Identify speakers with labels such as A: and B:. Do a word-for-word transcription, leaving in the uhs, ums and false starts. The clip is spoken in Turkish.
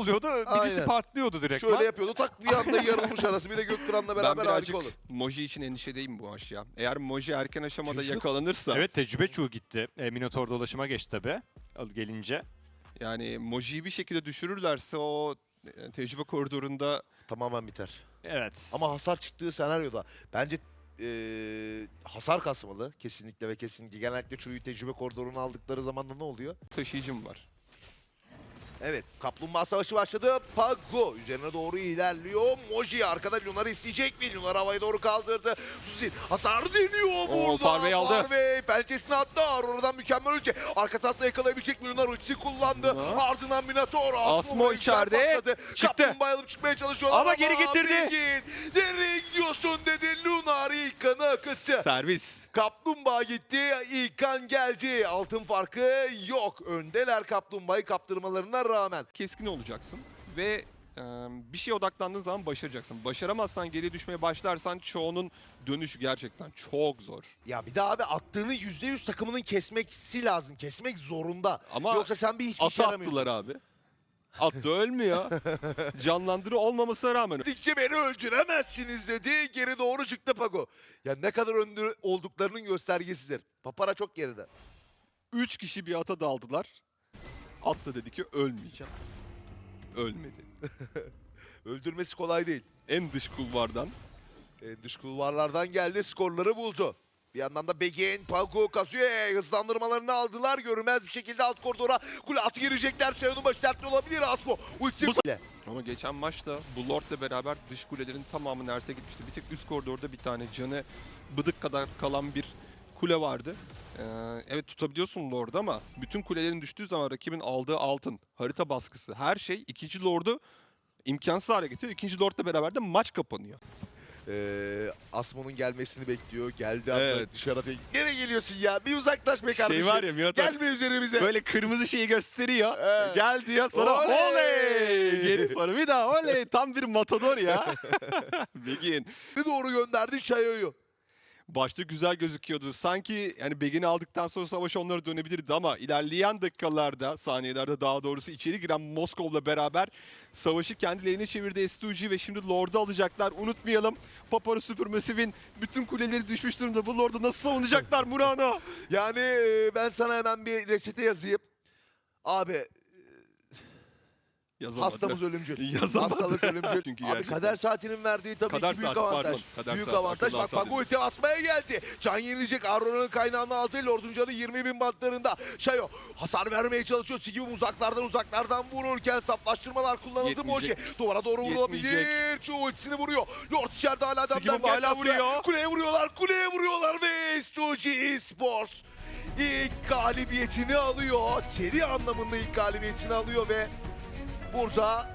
A: oluyordu. Birisi
B: Aynen.
A: patlıyordu direkt.
B: Şöyle yapıyordu, tak bir anda yarılmış arası. Bir de Gökturan'la
C: Ben
B: beraber
C: birazcık
B: harika olur.
C: Moji için endişedeyim bu maç ya. Eğer Moji erken aşamada
B: Çocuk.
C: yakalanırsa,
A: Evet, tecrübe çuğu gitti. E, Minotaur dolaşıma geçti tabi gelince.
C: yani Moji'yi bir şekilde düşürürlerse o e, tecrübe koridorunda
B: Tamamen biter.
A: Evet.
B: Ama hasar çıktığı senaryoda bence eee, hasar kasmalı kesinlikle ve kesinlikle. Genellikle Çuyu tecrübe koridorunu aldıkları zaman da ne oluyor?
C: taşıyıcım var.
B: Evet, Kaplumbağa Savaşı başladı. Pago üzerine doğru ilerliyor. Moji arkada Lunar'ı isteyecek mi? Lunar havaya doğru kaldırdı. Suzin hasar deniyor
C: Oo,
B: burada.
C: Farvey aldı.
B: Farvey pençesini attı. Aurora'dan mükemmel ulti. Arka tarafta yakalayabilecek mi? Lunar ultisi kullandı.
C: Lunar.
B: Ardından Minotaur.
C: Asmo içeride.
B: Patladı.
C: Çıktı.
B: Kaplumbağa alıp çıkmaya çalışıyorlar
C: Ama geri getirdi.
B: Bilgin, nereye gidiyorsun dedi. Lunar ilk kanı akıttı.
C: Servis.
B: Kaplumbağa gitti, ilk kan geldi. Altın farkı yok. Öndeler Kaplumbağa'yı kaptırmalarına rağmen.
C: Keskin olacaksın ve e, bir şeye odaklandığın zaman başaracaksın. Başaramazsan, geri düşmeye başlarsan çoğunun dönüşü gerçekten çok zor.
B: Ya bir de abi attığını yüzde yüz takımının kesmesi lazım. Kesmek zorunda.
C: Ama
B: Yoksa sen bir hiçbir
C: atı
B: şey yaramıyorsun.
C: attılar abi. Attı ölmüyor. Canlandırı olmamasına rağmen.
B: Dedikçe beni öldüremezsiniz dedi. Geri doğru çıktı Pago. Ya ne kadar önde olduklarının göstergesidir. Papara çok geride.
C: Üç kişi bir ata daldılar. At da dedi ki ölmeyeceğim. Ölmedi.
B: Öldürmesi kolay değil.
C: En dış kulvardan.
B: E, dış kulvarlardan geldi, skorları buldu. Bir yandan da Begin, Pago, Kazuya hızlandırmalarını aldılar. Görünmez bir şekilde alt koridora kule atı girecekler. Şayon'un başı dertli olabilir Asmo. Ultisi kule.
C: Ama geçen maçta bu Lord'la beraber dış kulelerin tamamı Ners'e gitmişti. Bir tek üst koridorda bir tane canı bıdık kadar kalan bir kule vardı. Ee, evet tutabiliyorsun Lord'u ama bütün kulelerin düştüğü zaman rakibin aldığı altın, harita baskısı, her şey ikinci Lord'u imkansız hale getiriyor. İkinci Lord'la beraber de maç kapanıyor.
B: Ee, Asmo'nun gelmesini bekliyor. Geldi hatta
C: Evet.
B: dışarı. Nereye geliyorsun ya? Bir uzaklaş be kardeşim.
C: Şey var ya Minotaur
B: Gelme üzerimize.
C: böyle kırmızı şeyi gösteriyor.
B: Evet.
C: Gel diyor sonra
B: Oley!
C: oley! Geri sonra bir daha oley! Tam bir matador ya. Begin.
B: Bir doğru gönderdi Şayo'yu.
C: Başta güzel gözüküyordu. Sanki yani Begin'i aldıktan sonra savaş onlara dönebilirdi ama ilerleyen dakikalarda, saniyelerde daha doğrusu içeri giren Moskov'la beraber savaşı kendilerine çevirdi S iki G ve şimdi Lord'u alacaklar. Unutmayalım. Papara Supermassive'in bütün kuleleri düşmüş durumda. Bu Lord'u nasıl savunacaklar Murano?
B: Yani e, ben sana hemen bir reçete yazayım. Abi
C: Yazamadı.
B: hastamız ölümcül.
C: Yazamadı.
B: Hastalık ölümcül.
C: Çünkü
B: Abi
C: gerçekten.
B: kader saatinin verdiği tabii
C: Kader
B: ki büyük
C: saati,
B: avantaj.
C: pardon. Kader
B: büyük
C: saati,
B: avantaj.
C: akıllı
B: Bak
C: saati.
B: Pago ulti basmaya geldi. Can yenilecek. Aurora'nın kaynağını aldı. Lord'un canı yirmi bin bantlarında. Şayo hasar vermeye çalışıyor. Sigibum uzaklardan uzaklardan vururken saflaştırmalar kullanıldı. Moji
C: Yetmeyecek.
B: duvara doğru vurulabilir.
C: Yetmeyecek.
B: Şu ultisini vuruyor. Lord içeride hala adamlar.
C: Sigibum hala
B: Geldi
C: vuruyor.
B: Asya. Kuleye vuruyorlar. Kuleye vuruyorlar ve S iki G Esports ilk galibiyetini alıyor. Seri anlamında ilk galibiyetini alıyor ve burada